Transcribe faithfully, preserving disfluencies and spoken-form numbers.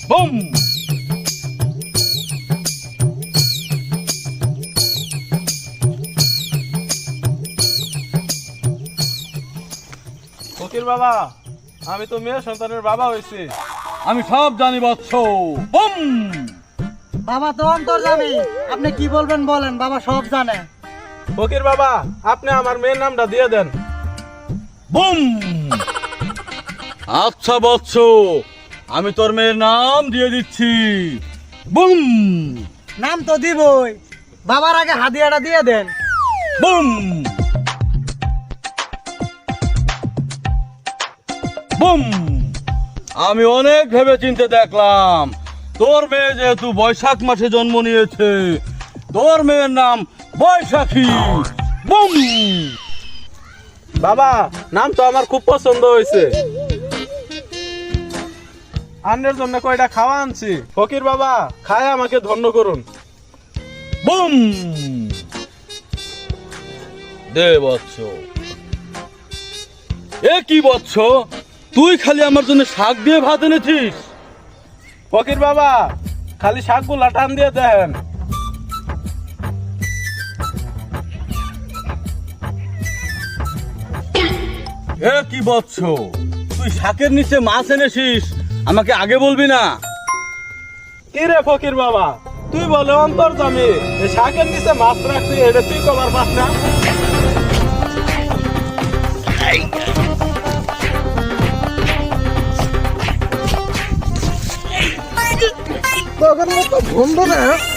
Broom. ফকির বাবা, আমি তো মেয়ে সন্তানের বাবা হয়েছি। আমি সব জানি বৎস। বুম। বাবা তো অন্তর্যামী, আপনি কি বলবেন বলেন, বাবা সব জানে। ফকির বাবা, আপনি আমার মেয়ের নামটা দিয়ে দেন। বুম। আচ্ছা বৎস, আমি তোর মেয়ের নাম দিয়ে দিচ্ছি। বুম। নাম তো দিবই, বাবার আগে হাদিয়াটা দিয়ে দেন। বুম। বুম। আমি অনেক ভেবে চিন্তে দেখলাম, তোর মেয়ে যেহেতু বৈশাখ মাসে জন্ম নিয়েছে, তোর মেয়ের নাম বৈশাখী। বুম। বাবা, নাম তো আমার খুব পছন্দ হয়েছে। আন্নের জন্য কয়টা খাওয়া আনছি। ফকির বাবা, খায় আমাকে ধন্য করুন। বুম। দে বৎস। এ কি বৎস, তুই খালি আমার জন্য শাক দিয়ে ভাত এনেছিস? ফকির বাবা, খালি শাকগুলা টান দিয়ে দেন। এ কি বৎস, তুই শাকের নিচে মাছ এনেছিস, আমাকে আগে বলবি না? কি রে ফকির বাবা, তুই বলে অন্তর্যামী, এই শাকের নিচে মাছ রাখছি, এটা তুই কবার পাস না? তখন তো বন্ধ না।